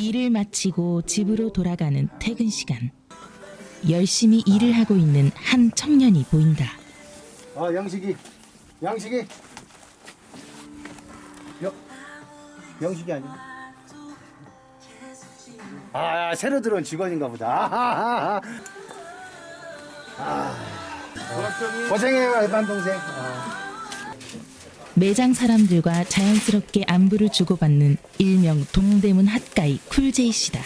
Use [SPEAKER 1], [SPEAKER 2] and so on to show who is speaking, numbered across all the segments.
[SPEAKER 1] 일을 마치고 집으로 돌아가는 퇴근 시간. 열심히 일을 하고 있는 한 청년이 보인다.
[SPEAKER 2] 영식이. 영식이 아니야? 새로 들어온 직원인가 보다. 고생해요, 반 동생.
[SPEAKER 1] 매장 사람들과 자연스럽게 안부를 주고받는 일명 동대문 핫가이 쿨제이 씨다.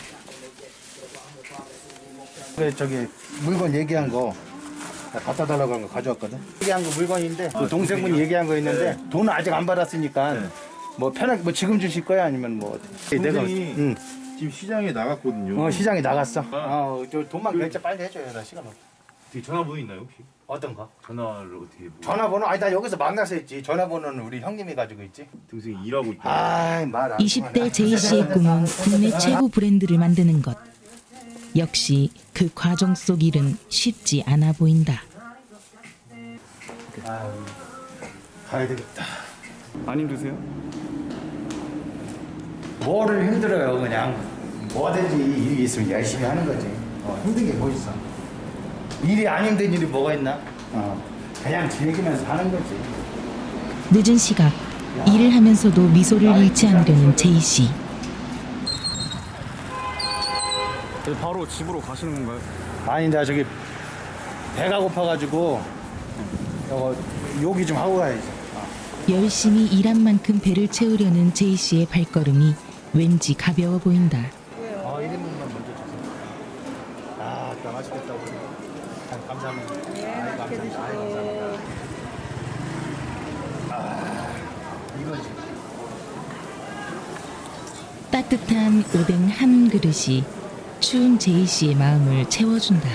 [SPEAKER 2] 그래, 저기 물건 얘기한 거 갖다 달라고 한 거 가져왔거든. 얘기한 거 물건인데 그 동생분이 얘기한 거 있는데 돈은 아직 안 받았으니까 뭐 편하게 뭐 지금 주실 거야 아니면 뭐 내가
[SPEAKER 3] 지금 시장에 나갔거든요.
[SPEAKER 2] 시장에 나갔어. 저 돈만 결제 빨리 해줘요. 나 시간 없어.
[SPEAKER 3] 어떻게 전화번호 있나요 혹시?
[SPEAKER 2] 어떤 거?
[SPEAKER 3] 전화를 어떻게?
[SPEAKER 2] 전화번호? 나 여기서 만나서 했지. 전화번호는 우리 형님이 가지고 있지.
[SPEAKER 3] 동생이 일하고 있다.
[SPEAKER 2] 말 안
[SPEAKER 1] 20대 제이 씨의 꿈은 국내 최고 브랜드를 만드는 것. 역시 그 과정 속 일은 쉽지 않아 보인다.
[SPEAKER 2] 가야 되겠다.
[SPEAKER 4] 안 힘드세요?
[SPEAKER 2] 뭐를 힘들어요, 그냥. 뭐든지 일이 있으면 열심히 하는 거지. 힘든 게 뭐 있어. 일이 안 힘든 일이 뭐가 있나? 그냥 즐기면서 하는 거지.
[SPEAKER 1] 늦은 시각, 일을 하면서도 미소를 잃지 않으려는 제이 씨.
[SPEAKER 4] 바로 집으로 가시는 건가요?
[SPEAKER 2] 아니, 나 저기 배가 고파가지고 요기 좀 하고 가야지.
[SPEAKER 1] 열심히 일한 만큼 배를 채우려는 제이 씨의 발걸음이 왠지 가벼워 보인다.
[SPEAKER 2] 1인분만 먼저 주세요. 또 맛있겠다. 감사합니다. 감사합니다. 감사합니다. 이거지.
[SPEAKER 1] 따뜻한 오뎅 한 그릇이 추운 제이 씨의 마음을 채워준다.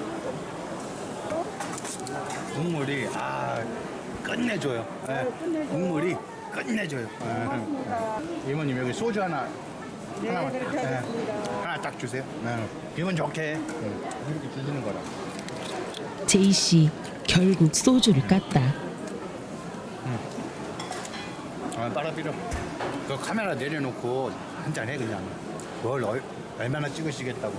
[SPEAKER 2] 국물이 끝내줘요. 국물이 끝내줘요. 이모님 여기 소주 하나만 하나 딱 주세요. 기분 좋게 이렇게 주시는 거라.
[SPEAKER 1] 제이 씨 결국 소주를 깠다.
[SPEAKER 2] 빨아 필요. 그 카메라 내려놓고 한잔 해 그냥. 뭘 얼마나 찍으시겠다고.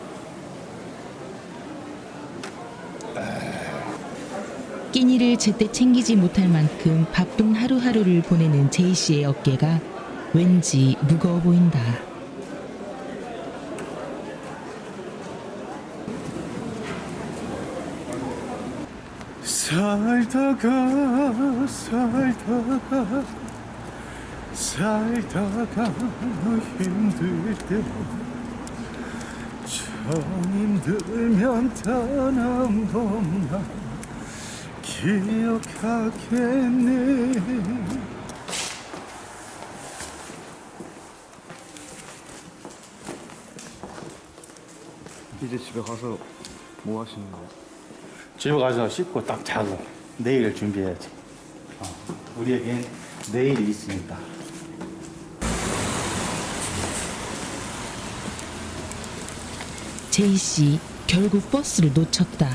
[SPEAKER 1] 끼니를 제때 챙기지 못할 만큼 바쁜 하루하루를 보내는 제이 씨의 어깨가 왠지 무거워 보인다.
[SPEAKER 3] 살다가 힘들 때 참 힘들면 단 한 번만 기억하겠네.
[SPEAKER 4] 이제 집에 가서 뭐 하시는 거예요?
[SPEAKER 2] 집에 가서 씻고 딱 자고 내일을 준비해야지. 우리에겐 내일이 있으니까.
[SPEAKER 1] 제이 씨 결국 버스를 놓쳤다.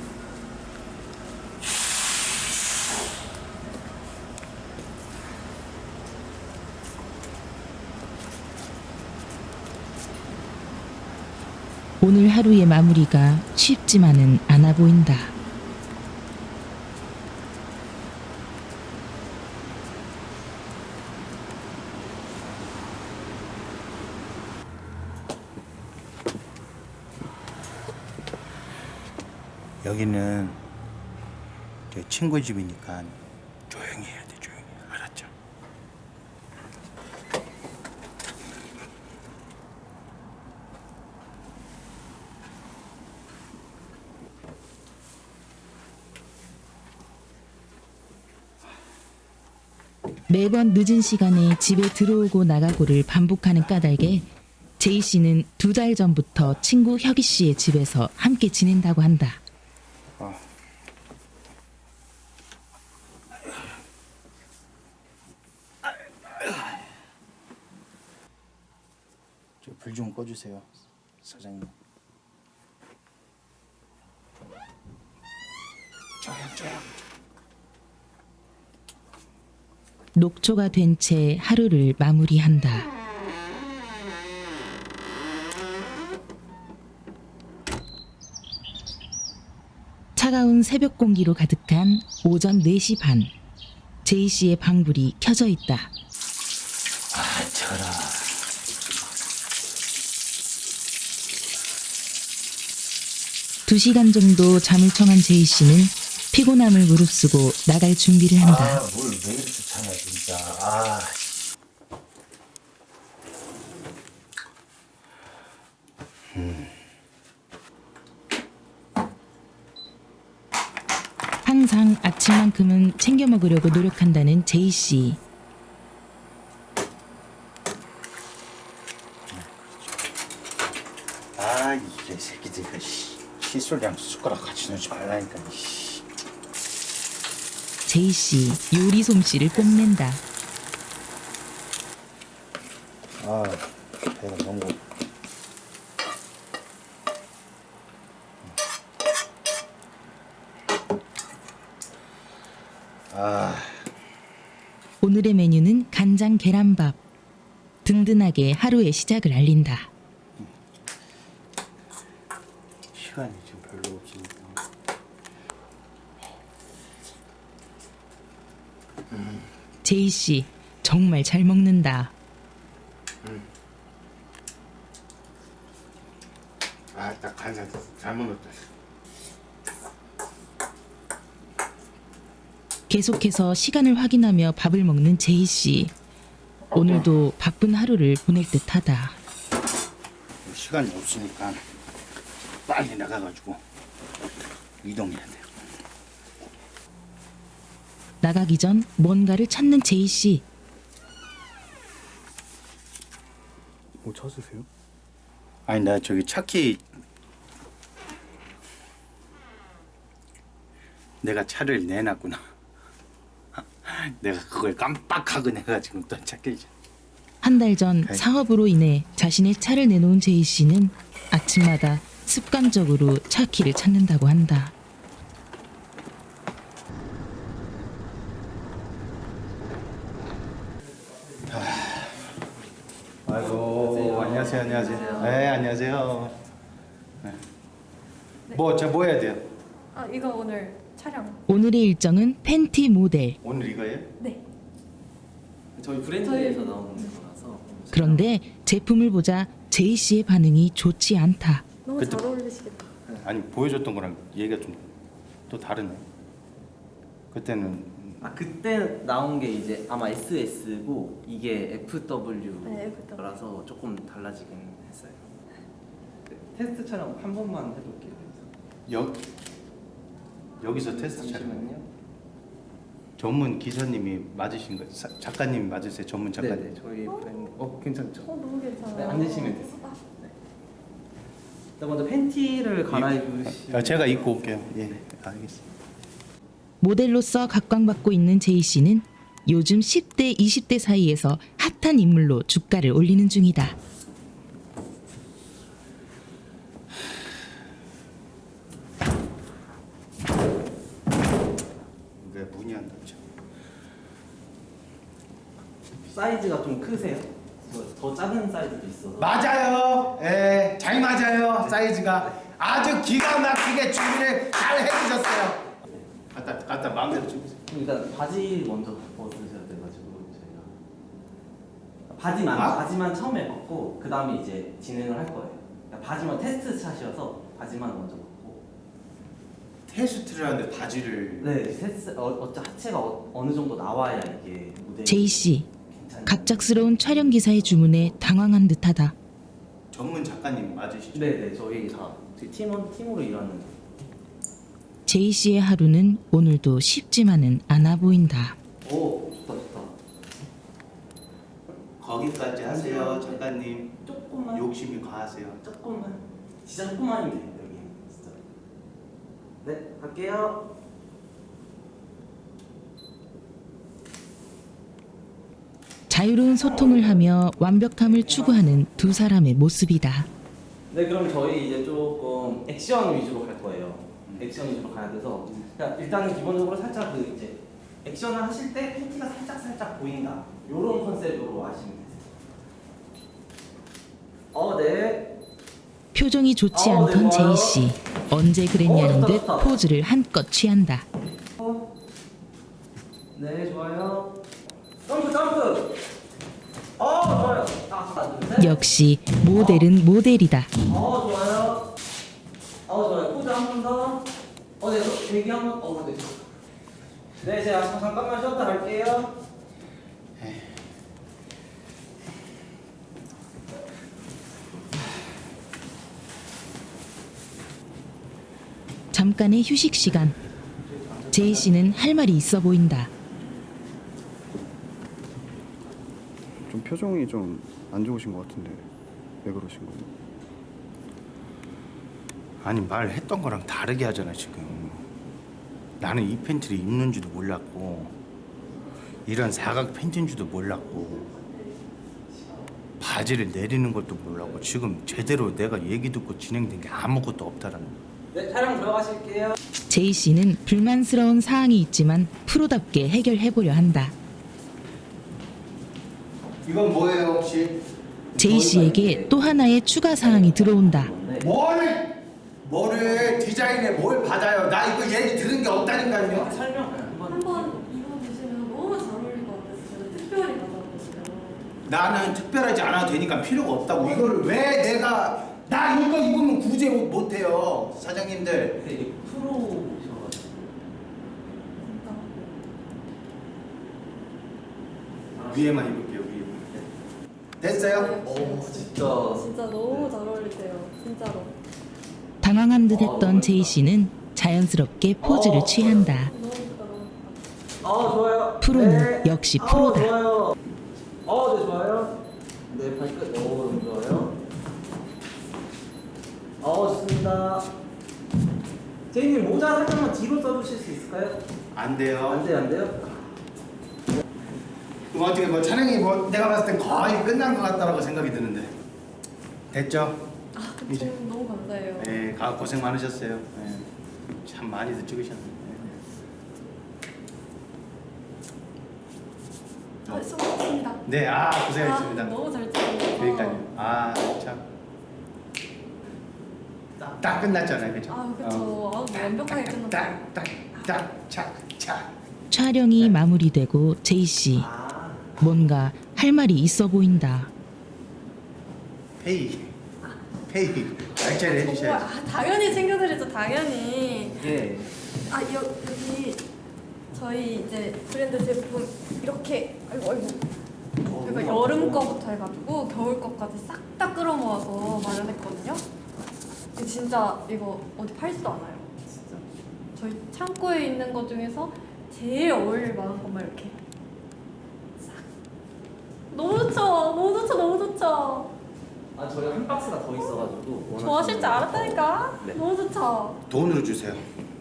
[SPEAKER 1] 오늘 하루의 마무리가 쉽지만은 않아 보인다.
[SPEAKER 2] 여기는 제 친구 집이니까 조용히 해야 돼. 조용히. 알았죠?
[SPEAKER 1] 매번 늦은 시간에 집에 들어오고 나가고를 반복하는 까닭에 제이 씨는 2달 전부터 친구 혁이 씨의 집에서 함께 지낸다고 한다.
[SPEAKER 2] 불 좀 꺼주세요, 사장님. 조용.
[SPEAKER 1] 녹초가 된 채 하루를 마무리한다. 차가운 새벽 공기로 가득한 오전 4시 반. 제이 씨의 방불이 켜져 있다.
[SPEAKER 2] 아, 저라.
[SPEAKER 1] 2시간 정도 잠을 청한 제이 씨는 피곤함을 무릅쓰고 나갈 준비를 한다.
[SPEAKER 2] 뭘 왜 이렇게 차냐, 진짜. 아.
[SPEAKER 1] 항상 아침만큼은 챙겨 먹으려고 노력한다는 제이 씨.
[SPEAKER 2] 아, 이게 새끼들, 이거, 칫솔이랑 숟가락 같이 넣지 말라니까, 씨.
[SPEAKER 1] 제이 씨 요리 솜씨를 뽐낸다.
[SPEAKER 2] 아, 배가 너무. 아,
[SPEAKER 1] 오늘의 메뉴는 간장 계란밥. 든든하게 하루의 시작을 알린다.
[SPEAKER 2] 시간이 지금 별로 없으니까.
[SPEAKER 1] 제이 씨 정말 잘 먹는다.
[SPEAKER 2] 아, 딱 간장 잘못 넣었다.
[SPEAKER 1] 계속해서 시간을 확인하며 밥을 먹는 제이 씨. 오늘도 바쁜 하루를 보낼 듯하다.
[SPEAKER 2] 시간이 없으니까 빨리 나가가지고 이동해야 돼요.
[SPEAKER 1] 나가기 전 뭔가를 찾는 제이 씨.
[SPEAKER 4] 뭐 찾으세요?
[SPEAKER 2] 아니, 나 저기 차키, 내가 차를 내놨구나. 내가 그걸 깜빡하고 내가 지금 또 찾기.
[SPEAKER 1] 한 달 전
[SPEAKER 2] 오케이.
[SPEAKER 1] 사업으로 인해 자신의 차를 내놓은 제이 씨는 아침마다 습관적으로 차 키를 찾는다고 한다.
[SPEAKER 2] 아이고, 안녕하세요, 안녕하세요. 네, 안녕하세요. 네. 뭐 해야 돼요?
[SPEAKER 5] 아 이거 오늘 촬영.
[SPEAKER 1] 오늘의 일정은 팬티 모델.
[SPEAKER 2] 오늘 이거예요?
[SPEAKER 5] 네.
[SPEAKER 6] 저희 브랜드에서 나오는 거라서.
[SPEAKER 1] 그런데 제품을 보자 제이 씨의 반응이 좋지 않다.
[SPEAKER 5] 너무
[SPEAKER 2] 그때-
[SPEAKER 5] 잘 어울리시겠다.
[SPEAKER 2] 아니, 보여줬던 거랑 얘기가 좀 또 다르네. 그때는
[SPEAKER 6] 아 그때 나온 게 이제 아마 SS고 이게 FW
[SPEAKER 5] 네, FW.
[SPEAKER 6] 라서 조금 달라지긴 했어요. 그 테스트 촬영 한 번만 해볼게요.
[SPEAKER 2] 여기서 테스트 촬영.
[SPEAKER 6] 잠시만요.
[SPEAKER 2] 전문 기사님이 맞으신 거예요? 작가님이 맞으세요? 전문 작가님?
[SPEAKER 6] 네네 저희 브랜드. 괜찮죠?
[SPEAKER 5] 너무 괜찮아요.
[SPEAKER 6] 네, 앉으시면 되세요. 일단 먼저 팬티를 갈아입으시.
[SPEAKER 2] 제가 입고 올게요. 예, 알겠습니다.
[SPEAKER 1] 모델로서 각광받고 있는 제이 씨는 요즘 10대, 20대 사이에서 핫한 인물로 주가를 올리는 중이다.
[SPEAKER 2] 왜 문이 안 닫혀?
[SPEAKER 6] 사이즈가 좀 크세요? 더 작은 사이즈도 있어서.
[SPEAKER 2] 맞아요. 예, 잘 맞아요. 사이즈가 아주 기가 막히게 준비를 잘 해주셨어요. 갖다 마음대로 주세요.
[SPEAKER 6] 일단 바지 먼저 벗으셔야 돼가지고 저희가 바지만 처음에 벗고 그 다음에 이제 진행을 할 거예요. 그러니까 바지만 테스트 샷이어서 바지만 먼저 벗고.
[SPEAKER 2] 테스트를 하는데 바지를.
[SPEAKER 6] 네, 테스트 하체가 어느 정도 나와야 이게 무대.
[SPEAKER 1] 제이 씨,
[SPEAKER 6] 괜찮아요.
[SPEAKER 1] 갑작스러운 촬영 기사의 주문에 당황한 듯하다.
[SPEAKER 2] 전문 작가님 맞으시죠?
[SPEAKER 6] 네, 저희 다 팀으로 일하는.
[SPEAKER 1] 제이 씨의 하루는 오늘도 쉽지만은 않아 보인다.
[SPEAKER 6] 오, 좋다.
[SPEAKER 2] 거기까지 하세요, 작가님.
[SPEAKER 6] 조금만.
[SPEAKER 2] 욕심이 과하세요.
[SPEAKER 6] 조금만. 진짜 조금만이면 돼요, 여기 진짜. 네, 갈게요.
[SPEAKER 1] 자유로운 소통을 하며 완벽함을 추구하는 두 사람의 모습이다.
[SPEAKER 6] 네, 그럼 저희 이제 조금 액션 위주로 갈 거예요. 액션 위주로 가야 돼서 그러니까 일단은 기본적으로 살짝 그 이제 액션을 하실 때 팬티가 살짝 보인다. 요런 컨셉으로 하시면 되세요. 네.
[SPEAKER 1] 표정이 좋지 않던 제이 씨. 언제 그랬냐는 듯 포즈를 한껏 취한다.
[SPEAKER 6] 네, 좋아요. 점프, 점프. 좋아요. 하나, 둘, 셋.
[SPEAKER 1] 역시 모델은 모델이다.
[SPEAKER 6] 좋아요. 좋아요. 포즈 한 번 더. 네, 대기 한 번. 네. 네, 제가 잠깐만 쉬었다 갈게요.
[SPEAKER 1] 잠깐의 휴식 시간. 제이 씨는 할 말이 있어 보인다.
[SPEAKER 4] 좀 표정이 좀 안 좋으신 것 같은데 왜 그러신 거예요?
[SPEAKER 2] 아니 말했던 거랑 다르게 하잖아 지금. 나는 이 팬티를 입는 줄도 몰랐고 이런 사각 팬티인 줄도 몰랐고 바지를 내리는 것도 몰랐고 지금 제대로 내가 얘기 듣고 진행된 게 아무것도 없다라는 거야.
[SPEAKER 6] 네, 촬영 들어가실게요.
[SPEAKER 1] 제이 씨는 불만스러운 사항이 있지만 프로답게 해결해 보려 한다.
[SPEAKER 2] 이건 뭐예요 혹시?
[SPEAKER 1] 제이 씨에게 또 하나의 추가 사항이 들어온다.
[SPEAKER 2] 뭐를 디자인에 뭘 받아요? 나 이거 얘기 들은 게 없다니까요.
[SPEAKER 6] 설명 한번.
[SPEAKER 5] 한번 입어보시면 너무 잘 어울릴 것 같아서 제가 특별히 받아봤어요.
[SPEAKER 2] 나는 특별하지 않아도 되니까 필요가 없다고. 이거를 왜 내가 나 이거 입으면 구제 못해요 사장님들.
[SPEAKER 6] 근데 이게 프로셔가지고.
[SPEAKER 5] 진짜.
[SPEAKER 2] 위에만 입을게요 위에만. 됐어요?
[SPEAKER 5] 진짜 너무 잘 어울리세요. 진짜로.
[SPEAKER 1] 당황한 듯 했던 제이 씨는 자연스럽게 포즈를 취한다.
[SPEAKER 5] 너무 예쁘다, 너무 예쁘다.
[SPEAKER 6] 좋아요.
[SPEAKER 1] 프로는 역시 프로다.
[SPEAKER 6] 좋아요. 네, 좋아요. 네, 발끝. 너무 좋아요. 좋습니다. 제이님 모자 살짝만 뒤로 써주실 수 있을까요?
[SPEAKER 2] 안 돼요.
[SPEAKER 6] 안 돼요?
[SPEAKER 2] 그럼 어떻게 뭐 촬영이 뭐 내가 봤을 땐 거의 끝난 것 같다라고 생각이 드는데 됐죠? 이제.
[SPEAKER 5] 너무 감사해요.
[SPEAKER 2] 네, 고생 많으셨어요. 네, 참 많이들 찍으셨네.
[SPEAKER 5] 수고하셨습니다.
[SPEAKER 2] 네, 고생하셨습니다.
[SPEAKER 5] 너무 잘 찍었어요.
[SPEAKER 2] 그러니까요. 참. 딱 끝났잖아요, 그죠?
[SPEAKER 5] 그쵸. 완벽하게 끝났어요.
[SPEAKER 2] 착.
[SPEAKER 1] 촬영이 마무리되고 제이 씨 뭔가 할 말이 있어 보인다.
[SPEAKER 2] 페이 날짜를 해주셔야죠.
[SPEAKER 5] 당연히 챙겨드리죠, 당연히.
[SPEAKER 6] 예.
[SPEAKER 5] 여기 저희 이제 브랜드 제품 이렇게 아이고 그러니까 여름 거부터 해가지고 겨울 거까지 싹 다 끌어모아서 마련했거든요. 근데 진짜 이거 어디 팔지도 않아요. 진짜 저희 창고에 있는 것 중에서 제일 어울릴 만한 것만 이렇게 싹. 너무 좋죠.
[SPEAKER 6] 저희 한 박스가 더 있어가지고.
[SPEAKER 5] 좋아하실 줄 알았다니까.
[SPEAKER 6] 네.
[SPEAKER 5] 너무 좋죠.
[SPEAKER 2] 돈으로 주세요.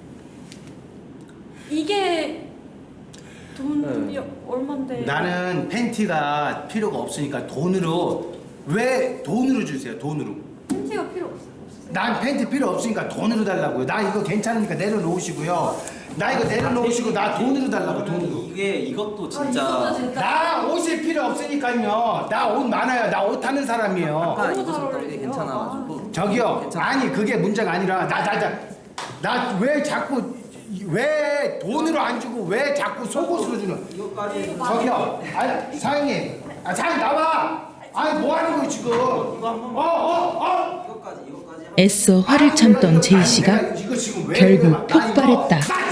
[SPEAKER 5] 이게 돈이
[SPEAKER 6] 네.
[SPEAKER 5] 얼만데?
[SPEAKER 2] 나는 팬티가 필요가 없으니까 왜 돈으로 주세요? 돈으로.
[SPEAKER 5] 팬티가 필요 없어요.
[SPEAKER 2] 난 팬티 필요 없으니까 돈으로 달라고요. 나 이거 괜찮으니까 내려놓으시고요. 나 이거 내려놓으시고 나 돈으로 달라고 돈으로.
[SPEAKER 6] 이것도
[SPEAKER 5] 이것도
[SPEAKER 6] 진짜.
[SPEAKER 5] 진짜.
[SPEAKER 2] 나 옷이 필요 없으니까요. 나 옷 많아요. 나 옷 하는 사람이에요.
[SPEAKER 6] 아까
[SPEAKER 5] 너무
[SPEAKER 6] 이거
[SPEAKER 5] 잘
[SPEAKER 6] 줬던 게
[SPEAKER 5] 어울리세요.
[SPEAKER 6] 괜찮아가지고.
[SPEAKER 2] 저기요. 아니 그게 문제가 아니라 나 왜 자꾸 왜 돈으로 안 주고 왜 자꾸 속옷으로 주는?
[SPEAKER 6] 이거까지.
[SPEAKER 2] 저기요. 아니 사장님. 사장님 나와. 아니 뭐 하는 거예요 지금?
[SPEAKER 6] 이거 한 번만.
[SPEAKER 2] 이거까지.
[SPEAKER 1] 애써 화를 참던 제이 씨가
[SPEAKER 2] 이거 지금 왜
[SPEAKER 1] 결국
[SPEAKER 2] 그래? 나 이거-
[SPEAKER 1] 폭발했다.
[SPEAKER 2] 나